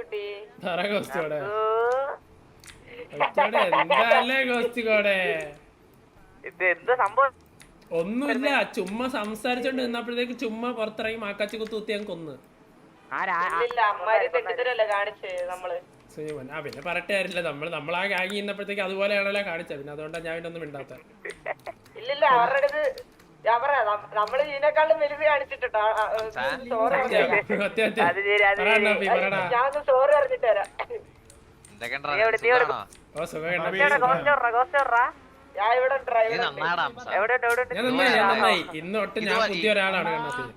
ഒന്നുമില്ല, ചുമ്മാ സംസാരിച്ചോണ്ട് നിന്നപ്പോഴത്തേക്ക് ചുമ്മാ പുറത്തിറങ്ങി മാക്കാച്ചി കുത്തി ഞാൻ കൊന്ന്. പിന്നെ പറയട്ടെ കാര്യമില്ല, നമ്മളാ ഗാങ്ങി നിന്നപ്പോഴത്തേക്ക് അതുപോലെയാണല്ലോ കാണിച്ചത്. പിന്നെ അതുകൊണ്ടാണ് ഞാൻ ഒന്നും മിണ്ടാത്ത. ഇല്ലില്ല, അവരുടെ നമ്മള് ഇതിനേക്കാളും വലുത് കാണിച്ചിട്ടുണ്ടോ? ഞാൻ സോറി അറിഞ്ഞിട്ട് തരാം. ഇന്നൊട്ട് ഞാൻ പുതിയ ഒരാളാണ്.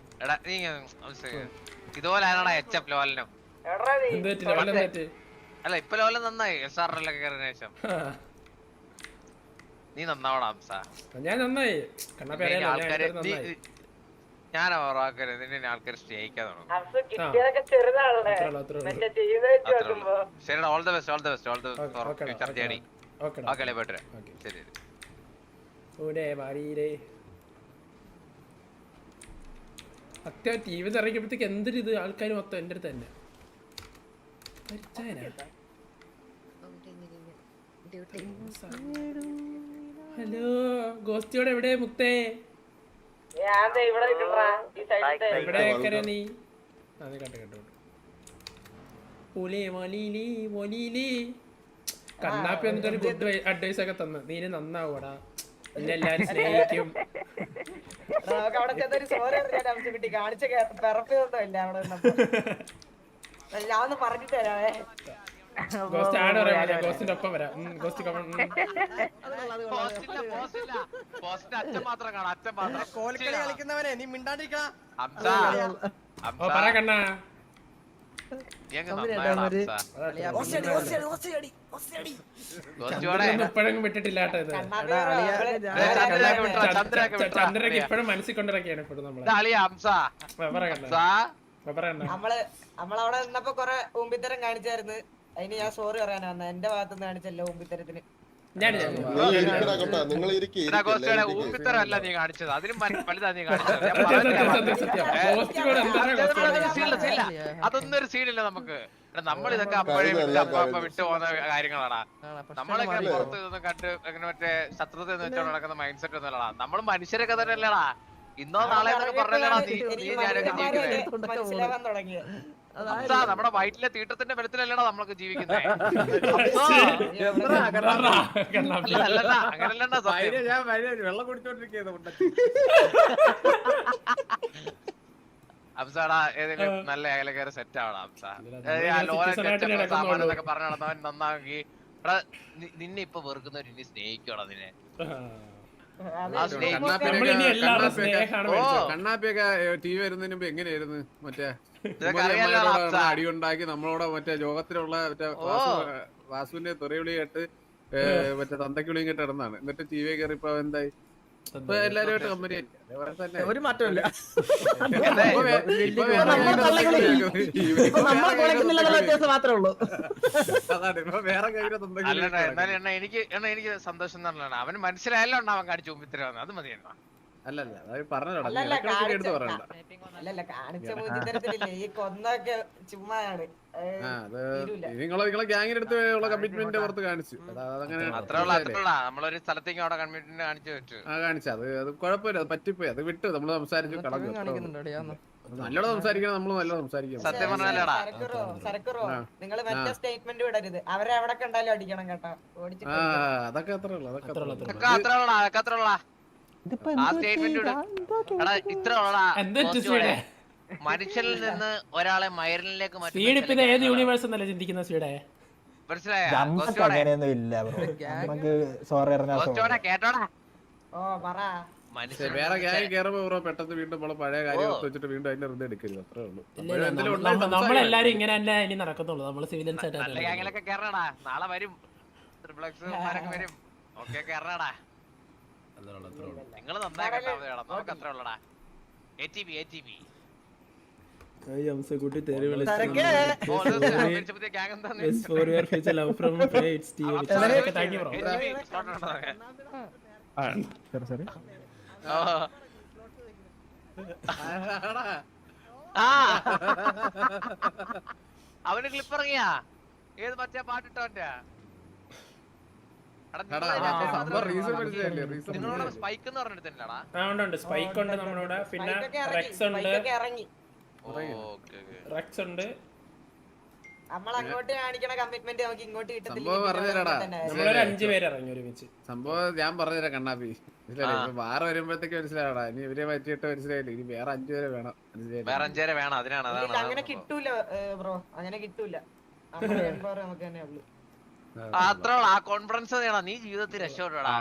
ഇതുപോലെയാണോ എച്ച് ലോലനും? അല്ല ഇപ്പൊ ലോലൻ നന്നായി SRLൊക്കെ കയറിയ ശേഷം. നീ നന്നാവണം ഹംസ. ഞാൻ നന്നായി. ഞാൻ ഓർവാക്കരുത്, നിന്നെ ആൾക്കാർ സ്നേഹിക്കാൻ തുടങ്ങും. ശരി, all the best, all the best, all the future journey. Okay അല്ലേ, പോയിട്ട് ശരി. അത്യാവശ്യം ടി വി ഇറങ്ങിയപ്പോഴത്തേക്ക് എന്തൊരു ഇത്, ആൾക്കാർ മൊത്തം എൻ്റെ അടുത്ത് തന്നെ. ഹലോ ഗോസ്റ്റിയോടെ എവിടെ മുക്തേ? നീ കണ്ണാപ്പി എന്നിട്ട് ഒരു ഗുഡ് അഡ്വൈസ് ഒക്കെ തന്നു. നീ നന്നാവൂടാ, നിന്നെ എല്ലാരും സ്നേഹിക്കും. ഞാൻ പറഞ്ഞിട്ട് തരാവേ. ഗോസ്റ്റിന്റെ ഒപ്പം വരാം. കളിക്കുന്നവനെ നീ മിണ്ടാണ്ടിരിക്കണ. കണ്ണാ ഇപ്പഴങ്ങും വിട്ടിട്ടില്ല കേട്ടോ. ഇത് ചന്ദ്രക്ക് ഇപ്പഴും മനസ്സിൽ കൊണ്ടിറക്കിയാണ് ഇപ്പോഴും നമ്മളെ. നമ്മളവിടെ നിന്നപ്പോ കൊറേ ഊമ്പിത്തരം കാണിച്ചായിരുന്നു. അതിന് ഞാൻ സോറി പറയാനാ വന്ന. എന്റെ ഭാഗത്തുനിന്ന് കാണിച്ചല്ലോ ഊമ്പിത്തരത്തിന്. ഊമ്പിത്തരല്ല നീ കാണിച്ചത്, അതിലും വലുതാ നീ കാണിച്ചത്. അതൊന്നും ഒരു സീനില്ല നമുക്ക്. നമ്മളിതൊക്കെ അപ്പോഴേ വിട്ടു പോകുന്ന കാര്യങ്ങളാടാ. നമ്മളിങ്ങനെ പുറത്ത് നിന്ന് കണ്ട് അങ്ങനെ മറ്റേ ശത്രുത എന്ന് വെച്ചോണ്ട് നടക്കുന്ന മൈൻഡ് സെറ്റ് ഒന്നുമല്ലടാ. നമ്മള് മനുഷ്യരൊക്കെ തന്നെ അല്ലേടാ. ഇന്നോ നാളെ എന്നൊക്കെ പറഞ്ഞല്ലേടാ നീ ഞാനൊക്കെ ജീവിക്കുന്നത്. നമ്മുടെ വയറ്റിലെ തീട്ടത്തിന്റെ ബലത്തിലല്ലടാ നമ്മളൊക്കെ ജീവിക്കുന്നത്. അങ്ങനല്ലണ്ടാ വെള്ളം കുടിച്ചോണ്ടിരിക്കുന്നു. അംസാടാ ഏതെങ്കിലും നല്ല അയലക്കാരെ സെറ്റ് ആവണം അംസ. സാമാനൊക്കെ പറഞ്ഞു നടന്നവൻ നന്നാക്കി നിന്നെ ഇപ്പൊ വെറുക്കുന്നവർ ഇനി സ്നേഹിക്കണം നിന്നെ. കണ്ണാപ്പിയൊക്കെ ടി വി വരുന്നതിന് മുമ്പ് എങ്ങനെയായിരുന്നു? മറ്റേ അടിയുണ്ടാക്കി നമ്മളോട് മറ്റേ ലോകത്തിലുള്ള മറ്റേ വാസുവിന്റെ തെറിവിളി കേട്ട് മറ്റേ തന്തയ്ക്കുളിയും കേട്ട് ഇടന്നാണ്. എന്നിട്ട് ടി വി കയറി ഇപ്പൊ എന്തായി? ഇപ്പൊ എല്ലാരുമായിട്ട് കമ്പനി ഒരു മാറ്റമില്ല. എനിക്ക് സന്തോഷം എന്ന് പറഞ്ഞാൽ അവന് മനസ്സിലായല്ലോ അവൻ കാണിച്ചു മുമ്പിത്തരം. അത് മതിയായിരുന്നു. അല്ലല്ല പറഞ്ഞോ. അല്ലല്ല കാണിച്ച മുതിരത്തിലില്ലേ ഈ കൊന്നൊക്കെ ചുമ്മാണ്. നിങ്ങളെ ഗ്യാങ്ങിനടുത്ത് കമ്മിറ്റ്മെന്റ് പുറത്ത് കാണിച്ചു. നമ്മളൊരു സ്ഥലത്തേക്ക് അവിടെ കമ്മിറ്റ്മെന്റ് കാണിച്ചു. അത് കുഴപ്പമില്ല, അത് പറ്റിപ്പോയി. അത് വിട്ടു, നമ്മള് സംസാരിച്ചു കളഞ്ഞു. നല്ലോണം സംസാരിക്കണം, നമ്മള് നല്ലോണം സംസാരിക്കണം. സത്യം പറഞ്ഞാലടാ സരക്കുറോ നിങ്ങള് മറ്റേ സ്റ്റേറ്റ്മെന്റ് വിടരുത്. അവരെ എവിടെ കണ്ടാലും അടിക്കണം കേട്ടോ. അതൊക്കെ അത്ര ഉള്ളു. മനുഷ്യനിൽ നിന്ന് ഒരാളെ മയറിലേക്ക് കേട്ടോടാ. വേറെ ഗ്യാങ് കേറുമ്പോ പെട്ടെന്ന് വീണ്ടും നമ്മളെ പഴയ കാര്യം വെച്ചിട്ട് വീണ്ടും അതിന്റെ ഹൃദയം എടുക്കരുത്. അത്രേ ഉള്ളൂ. നമ്മളെല്ലാരും ഇങ്ങനെ തന്നെ ഇനി നടക്കത്തുള്ളൂ. നമ്മള് സിവിലിയൻസ് ആയിട്ട് കേറണടാ. നാളെ വരും, വരും. ഓക്കെ കേറണടാ. നിങ്ങള് നന്നായി കേട്ടാ നമുക്ക് അത്ര ഉള്ളടാ. ATB കുട്ടി തെറി അവന് ക്ലിപ്പ് ഇറങ്ങിയാ ഏത് മറ്റേ പാട്ടിട്ടോന്റെ നിങ്ങളോട് സ്പൈക്ക് എന്ന് പറഞ്ഞെടുത്തില്ലടാ. ഉണ്ട് സ്പൈക്ക് ഉണ്ട് നമ്മളോട്, പിന്നെ റെക്സ് ഉണ്ട്, റെക്സ് ഉണ്ട്. നമ്മളങ്ങോട്ട് കാണിക്കണ കമ്മിറ്റ്മെന്റ് നമുക്ക് ഇങ്ങോട്ട് സംഭവം പറഞ്ഞുതരാടാ. നമ്മളൊരു 5 പേര് ഇറങ്ങി ഒരുമിച്ച്. സംഭവം ഞാൻ പറഞ്ഞുതരാം കണ്ണാപ്പി, മനസ്സിലായി? വാറ വരുമ്പോഴത്തേക്ക് മനസ്സിലാവടാ. ഇനി ഇവരെ പറ്റിയിട്ട് മനസ്സിലായില്ല. ഇനി വേറെ 5 പേരെ വേണം. വേറെ 5 പേരെ വേണം. അതിനാണ് അങ്ങനെ കിട്ടൂല ബ്രോ, അങ്ങനെ കിട്ടൂല. നമുക്ക് തന്നെ ഉള്ളു. അത്ര ആ കോൺഫിഡൻസ് വേണം. നീ ജീവിതത്തിൽ രക്ഷപ്പെടാ.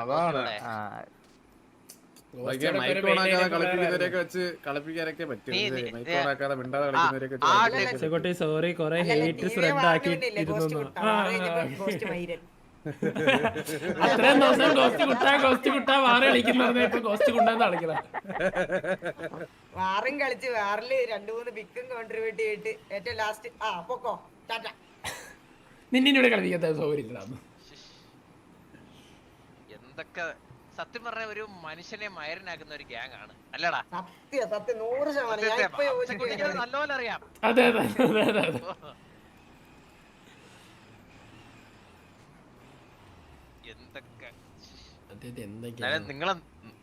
കളിപ്പിക്കുന്നവരെയൊക്കെ വെച്ച് കളിപ്പിക്കാനൊക്കെ പറ്റും. മൈക്കോണാക്കാതെ മിണ്ടാതെ കളിക്കുന്നവരെയൊക്കെ സോറി കുറെ ഹേറ്റ് സ്പ്രെഡ് ആക്കിയിരുന്നു. അത്രയും ദിവസം ഗോസ്റ്റ് കുട്ടാ വാറ കളിക്കുന്ന ഇപ്പൊ ഗോസ്റ്റ് കുണ്ടാന്ന് കളിക്കല. വാറും കളിച്ച് വാറില് 2-3 ബിക്കും കോൺട്രിബ്യൂട്ട് ചെയ്തിട്ട് ഏറ്റവും ലാസ്റ്റ് പൊക്കോ ടാറ്റ. നിന്നിവിടെ കളിപ്പിക്കാത്ത സൗകര്യം എന്തൊക്കെ സത്യം പറഞ്ഞ ഒരു മനുഷ്യനെ മയരനാക്കുന്ന ഒരു ഗ്യാങ് ആണ് അല്ലടാ. സത്യം 100% നല്ലപോലെ അറിയാം. അതെ അതെ അതെ അതെ അതെ. എന്തൊക്കെ നിങ്ങളെ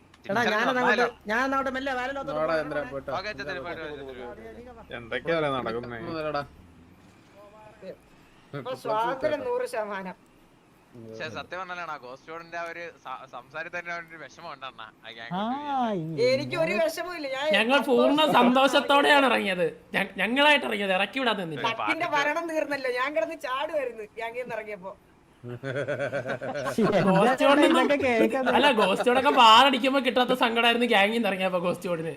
എന്തൊക്കെയാ നടക്കുന്നേ? സ്വാതന്ത്ര്യം 100%. പക്ഷെ സത്യം പറഞ്ഞാലാണ് ഗോസ്റ്റോഡിന്റെ ഒരു സംസാരത്തിൽ തന്നെ ഒരു വിഷമം ഉണ്ടെന്നാ. എനിക്ക് ഒരു വിഷമമില്ല. ഞങ്ങൾ പൂർണ്ണ സന്തോഷത്തോടെയാണ് ഇറങ്ങിയത്. ഞങ്ങളായിട്ട് ഇറങ്ങിയത്, ഇറക്കി വിടാൻ നിന്നില്ല. പക്കിന്റെ ഭരണം തീർന്നല്ലോ, ഞാൻ കിടന്ന് ചാടുമായിരുന്നു ഗ്യാങ്ങിൽ ഇറങ്ങിയപ്പോ. അല്ല ഗോസ്റ്റോടൊക്കെ ബാറടിക്കുമ്പോ കിട്ടാത്ത സങ്കടമായിരുന്നു ഗ്യാങ്ങിൽ നിന്ന് ഇറങ്ങിയപ്പോ ഗോസ്റ്റോടിന്.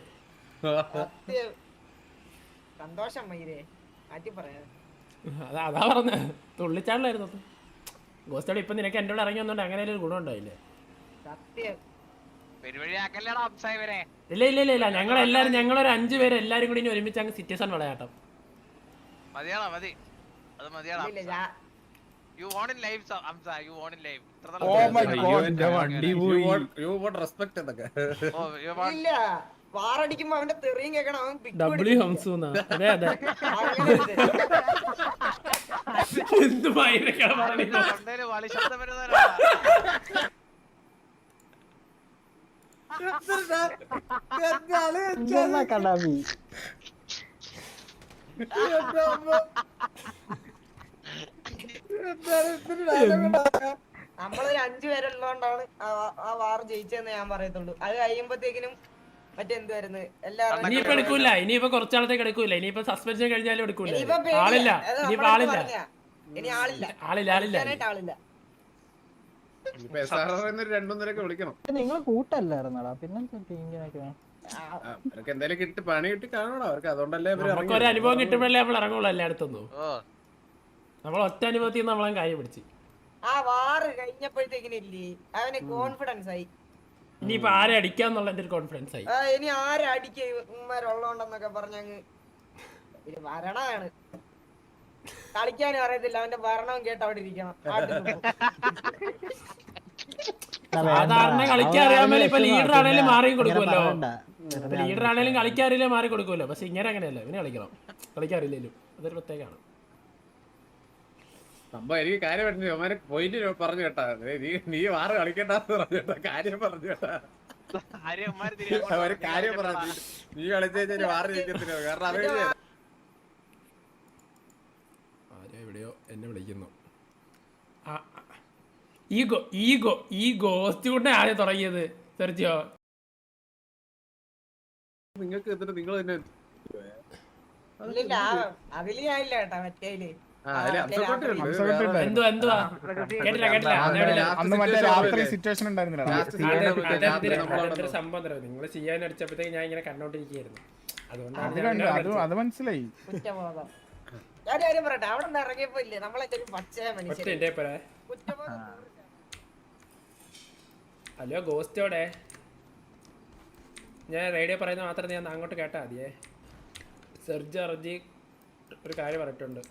സന്തോഷം മയിരേ, മാറ്റി പറയാ. അതാ പറഞ്ഞ തുള്ളിച്ചാടിലായിരുന്നു ഗോസ്റ്റോട്. ഇപ്പൊ നിനക്ക് എന്റെ കൂടെ ഇറങ്ങി വന്നോണ്ട് അങ്ങനെ ഒരു ഗുണം ഉണ്ടായില്ലേ? ഇല്ല ഇല്ല ഇല്ല ഇല്ല, ഞങ്ങളെല്ലാരും ഞങ്ങളൊരു 5 പേര് എല്ലാരും കൂടി ഇനി ഒരുമിച്ച് അങ്ങ് സിറ്റിസൺ വിളയാട്ടം. വാറടിക്കുമ്പോ അവന്റെ തെറിയും കേൾക്കണം. ഡബ്ല്യു ഹംസൂന്നാ. അതെ അതെ. എന്ത് ഭയങ്കര നമ്മളൊരു 5 പേരുള്ളതുകൊണ്ടാണ് ആ വാർ ജയിച്ചതെന്ന് ഞാൻ പറയത്തുള്ളൂ. അത് കഴിയുമ്പോഴത്തേക്കിനും മറ്റെന്തുവായിരുന്നു എല്ലാവരും ഇനിയിപ്പോ എടുക്കൂല. ഇനിയിപ്പോ കുറച്ചാളത്തേക്ക് എടുക്കൂല. ഇനിയിപ്പോ സസ്പെൻഷൻ കഴിഞ്ഞാലും എടുക്കൂല. ആളില്ല. ഇനിയിപ്പോ ആളില്ല. ഇനി ആളില്ല. ആളില്ല. വിളിക്കണം. നിങ്ങൾ കൂട്ടല്ലായിരുന്നടാ, പിന്നെ എന്തായാലും കിട്ടി പണി കിട്ടി കാണണം അവർക്ക്. അതുകൊണ്ടല്ലേ നമുക്ക് ഒരു അനുഭവം കിട്ടുമ്പോഴല്ലേ നമ്മൾ ഇറങ്ങുള്ളൂ എല്ലായിടത്തൊന്നും. നമ്മൾ ഒറ്റ അനുഭവത്തിൽ നിന്ന് നമ്മളെ കാര്യം പിടിച്ച്. ആ വാറ് കഴിഞ്ഞപ്പോഴത്തേക്കിനില്ലേ അവന് കോൺഫിഡൻസ് ആയി. ഇനിയിപ്പോ ആരെ അടിക്കാന്നുള്ള എന്റെ ഒരു കോൺഫിഡൻസ് ആയി. ഇനി ആരെ അടിക്കുള്ളോണ്ടെന്നൊക്കെ പറഞ്ഞങ്ങ് ഭരണമാണ്. കളിക്കാനും അറിയത്തില്ല, അവന്റെ ഭരണവും കേട്ട് അവിടെ ഇരിക്കണം. സാധാരണ കളിക്കാൻ അറിയാമല്ലോ. ഇപ്പൊ ലീഡർ ആണേലും മാറിയും കൊടുക്കുമല്ലോ. ലീഡർ ആണേലും കളിക്കാറില്ലേ മാറി കൊടുക്കുമല്ലോ. പക്ഷെ ഇങ്ങനെ അങ്ങനെയല്ല, ഇവന് കളിക്കണം. കളിക്കാറില്ലല്ലോ, അതൊരു പ്രത്യേകമാണ് സംഭവം. എനിക്ക് കാര്യം പറഞ്ഞു പോയിന്റ് പറഞ്ഞു കേട്ടാ. നീ വാറ് കളിക്കണ്ടെന്ന് പറഞ്ഞു കേട്ടാ. കാര്യം പറഞ്ഞു കേട്ടാ. ഒരു കാര്യം പറഞ്ഞു, നീ കളിച്ചു വാറ് ജയിക്കത്തില്ല. കാരണം അറിയില്ല. എവിടെയോ എന്നെ വിളിക്കുന്നു. ഈ ഗോസ്റ്റ് കൊണ്ട് ആരെ തുടങ്ങിയത് സെർജിയോ? നിങ്ങൾക്ക് എന്നിട്ട് നിങ്ങൾ തന്നെ അതില് ഞാനില്ല കേട്ടാ. മറ്റേല് എന്തുവാ കേട്ടില്ല. സംഭവം തരാം. നിങ്ങൾ ചെയ്യാൻ അടിച്ചപ്പോഴത്തേക്ക് ഞാൻ ഇങ്ങനെ കണ്ടോണ്ടിരിക്കുകയായിരുന്നു. അതുകൊണ്ടാണ് മനസ്സിലായി. കുറ്റബോധം. ഞാൻ കാര്യം പറയട്ടെ, അവിടെ നിന്ന് ഇറങ്ങിയപ്പോ ഇല്ലേ നമ്മളെന്റെ ഒരു പച്ച മനുഷ്യൻ. ഹലോ ഗോസ്റ്റോടെ, ഞാൻ റേഡിയോ പറയുന്നത് മാത്രം ഞാൻ അങ്ങോട്ട് കേട്ടാ മതിയേ. സെർജി ഒരു കാര്യം പറഞ്ഞിട്ടുണ്ട്.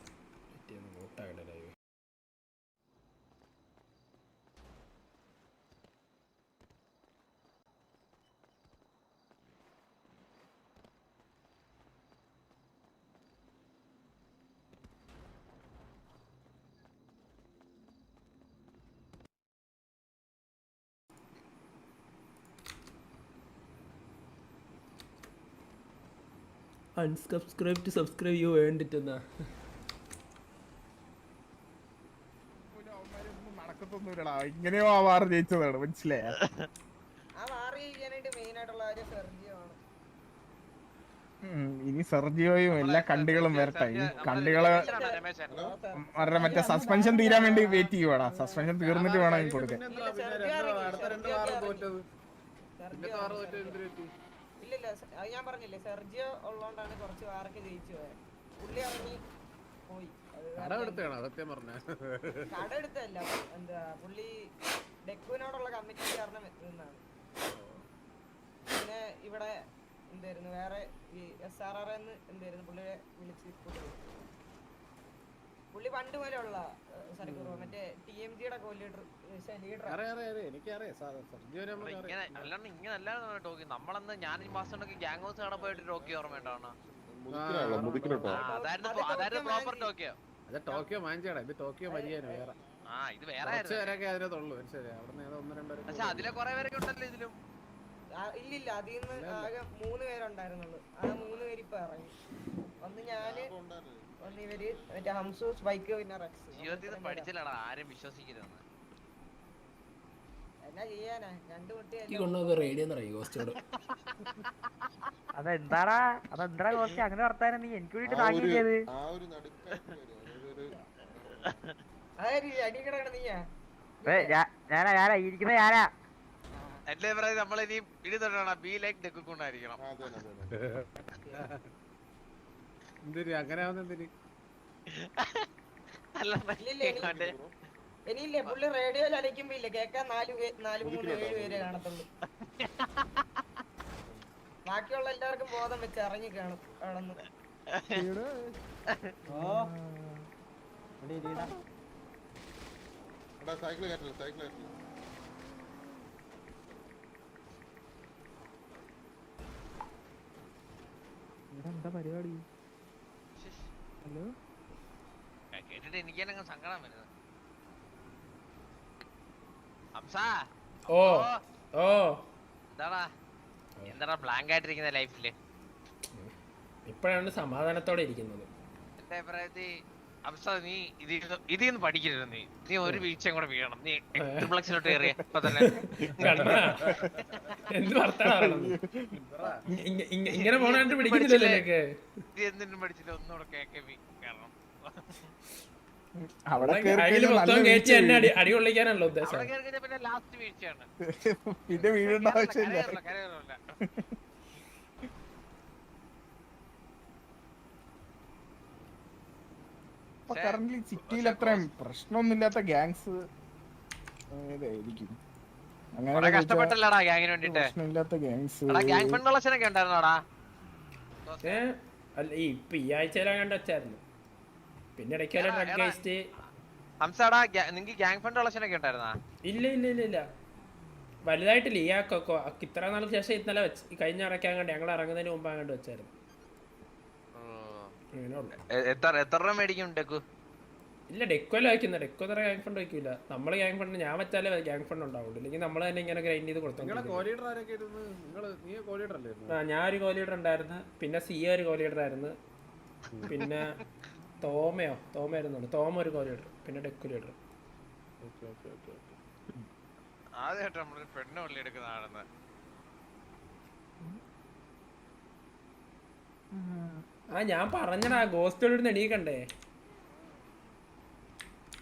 അൺസബ്സ്ക്രൈബ് ടു സബ്സ്ക്രൈബ് യു വേണ്ടിട്ടെന്നാ നടക്കത്തൊന്നുമില്ലടാ. ഇങ്ങനെയോ ആ വാർ ജയിച്ചതാണ്, മനസ്സിലായ? ആ വാർ ജയിക്കാനായിട്ട് മെയിൻ ആയിട്ടുള്ള കാര്യം സെർജിയോ ആണ്. ഇനി സെർജിയോയും എല്ലാ കണ്ടികളും വരട്ടെ. ഈ കണ്ടികള് അവരുടെ മറ്റേ സസ്പെൻഷൻ തീരാൻ വേണ്ടി വെയിറ്റ് ചെയ്യുവാടാ. സസ്പെൻഷൻ തീർന്നിട്ട് വേണം എനിക്ക് കൊടുക്കാൻ. ഇല്ലില്ല, അത് ഞാൻ പറഞ്ഞില്ലേ, സെർജിയോ ഉള്ളതുകൊണ്ടാണ് കുറച്ച് വാറൊക്കെ ജയിച്ചു പോയത്. പുള്ളി ഇറങ്ങി പോയി. കട എടുത്തതാണോ സത്യം പറഞ്ഞ? കട എടുത്തല്ല, എന്താ പുള്ളി ഡെക്കുവിനോടുള്ള കമ്മിറ്റി കാരണം നിന്നാണ്. പിന്നെ ഇവിടെ എന്തായിരുന്നു വേറെ ഈ SRR എന്തായിരുന്നു പുള്ളിയെ വിളിച്ച് പുള്ളി പണ്ട് പോലെ ഉള്ള മറ്റേ TMG-യുടെ ലീഡർ. നമ്മളന്ന് ഞാൻ ഈ മാസം ഗ്യാങ് ഹൗസ് കാണാൻ പോയിട്ട് ടോക്കിയോ ഓർമ്മയുണ്ടാവണം. ടോക്കിയോ മാഞ്ചാടാ, ഇത് ടോക്കിയോ മരിയാനോ വേറെ. ഇത് വേറെ അതിനകത്തുള്ളൂ. മനസ്സിലായി? അവിടെ ഒന്ന് രണ്ടോ പക്ഷെ അതിലെ കുറെ പേരൊക്കെ ഉണ്ടല്ലോ ഇതിലും. ഇല്ലില്ല, അതിൽ നിന്ന് ആകെ 3 പേരുണ്ടായിരുന്നുള്ളൂ. ആ 3 പേര് ഇപ്പൊ ഇറങ്ങി. ഒന്ന് ഞാന്, ഒന്ന് ഇവര്, മറ്റേ ഹംസു, സ്പൈക്ക്, പിന്നെ റെക്സ്. ജീവിതത്തിൽ പഠിച്ചില്ലടാ, ആരും വിശ്വസിക്കരുതെന്ന്. എന്നാ ചെയ്യാനാ, 2 കുട്ടിയല്ലേ. കൊണ്ടുപോകുന്ന റേഡിയോ എന്നറിയോ ഗോസ്റ്റോട്? അതെന്താടാ കോസ്റ്റ് അങ്ങനെ വർത്താനം? നീ എനിക്ക് വേണ്ടിട്ട് താങ്ങിയത് അടിക്കട നീയാ? ഞാനാ ഇരിക്കുന്ന ഞാനാ. എന്റെ അഭിപ്രായം നമ്മളിനി ഇടി തൊട്ടാണ് ബി ലൈക്ക് ഡെക്കുണ്ടായിരിക്കണം. എന്തിന് അങ്ങനെ ആവുന്നെന്തിന്? ഇനിയില്ലേ പുള്ളി റേഡിയോയിൽ അലയ്ക്കുമ്പോ ഇല്ല കേക്കാൻ 4-3-7 പേരെ കാണത്തുള്ളൂ. ബാക്കിയുള്ള എല്ലാവർക്കും ബോധം വെച്ച് ഇറങ്ങി കാണും അവിടെന്ന്. എന്താ പരിപാടി? ഹലോ, കേട്ടിട്ട് എനിക്ക് തന്നെ സങ്കടം വരുന്നത്. ഓ ഓ എന്താടാ ബ്ലാങ്ക് ആയിട്ടിരിക്കുന്ന ലൈഫില്? ഇപ്പോഴാണ് സമാധാനത്തോടെ ഇരിക്കുന്നത്. എന്റെ അഭിപ്രായത്തിൽ നീ ഇതിന്ന് പഠിക്കരുത്. നീ ഒരു വീഴ്ചയും കൂടെ വീഴണം. നീ ട്രിപ്ലക്സിലോട്ട് കയറിയ ഇപ്പൊ തന്നെ എന്ത് വർത്താനം ഇങ്ങനെ പോണാണ്ട് പിടിക്കുന്നില്ലല്ലോ. നീ എന്തിനും പഠിച്ചില്ല, ഒന്നുകൂടെ കാരണം അതില് മൊത്തം കയറ്റി എന്നെ അടി കൊള്ളിക്കാനല്ലോ ഉദ്ദേശം. പിന്നെ ലാസ്റ്റ് വീഴ്ചയാണ്. പിന്നെ വീഴേണ്ട ആവശ്യമില്ല. കരയൊന്നുമില്ല. കറന്റ് സിറ്റിയിൽ അത്രയും പ്രശ്നമൊന്നുമില്ലാത്ത ഗ്യാങ്സ് ഏതായിരിക്കും? അങ്ങനെ കഷ്ടപ്പെട്ടല്ലടാ ഗ്യാങ്ങിന് വേണ്ടിട്ട്. പ്രശ്നമില്ലാത്ത ഗ്യാങ്സ് ഗ്യാങ് ഫണ്ട് കളക്ഷനൊക്കെ ഉണ്ടായിരുന്നോടാ? അല്ല ഇപ്പൊ ഈ ആഴ്ചയിലാ കണ്ട വെച്ചായിരുന്നു. പിന്നെ ഇടയ്ക്കല്ല ഡ്രഗ് വേസ്റ്റ്. ഹംസാടാ നിങ്ങക്ക് ഗ്യാങ് ഫണ്ട് കളക്ഷനൊക്കെ ഉണ്ടായിരുന്നാ? ഇല്ല ഇല്ല ഇല്ല ഇല്ല, വലുതായിട്ടില്ല. ഈ ഇത്ര നാൾക്ക് ശേഷം ഇന്നലെ കഴിഞ്ഞ ഇറക്കാൻ കണ്ട് ഞങ്ങൾ ഇറങ്ങുന്നതിന് മുമ്പ് അങ്ങോട്ട് വെച്ചായിരുന്നു. എത്ര രൂപ മേടിക്കും ഡെക്കു? ഇല്ല, ഡെക്കോല വയ്ക്കുന്ന ഡെക്കോ തര ഗ്യാങ് ഫണ്ട് വയ്ക്കൂല. നമ്മള് ഗ്യാങ് ഫണ്ട് ഞാൻ വെച്ചാലേ ഗ്യാങ് ഫണ്ട് ഉണ്ടാവുള്ളൂ. ഇല്ലെങ്കിൽ നമ്മൾ തന്നെ ഇങ്ങനെ ഗ്രൈൻഡ് ചെയ്ത് കൊടുത്തു. ഞാൻ ഒരു കോ ലീഡർ ഉണ്ടായിരുന്നു, പിന്നെ സി ഒരു കോ ലീഡർ ആയിരുന്നു, പിന്നെ തോമയായിരുന്നു. തോമ ഒരു കോ ലീഡർ, പിന്നെ ഡെക്കു ലീഡർ. ആദ്യമായിട്ട് നമ്മളൊരു പെണ്ണ് പള്ളി എടുക്കുന്നതാണെന്ന്. ഞാൻ പറഞ്ഞടാ, ഗോസ്റ്റോട് എണീക്കണ്ടേ?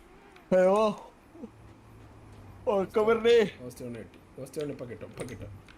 ഗോസ്റ്റോണ്ട് ഇപ്പൊ കിട്ടും.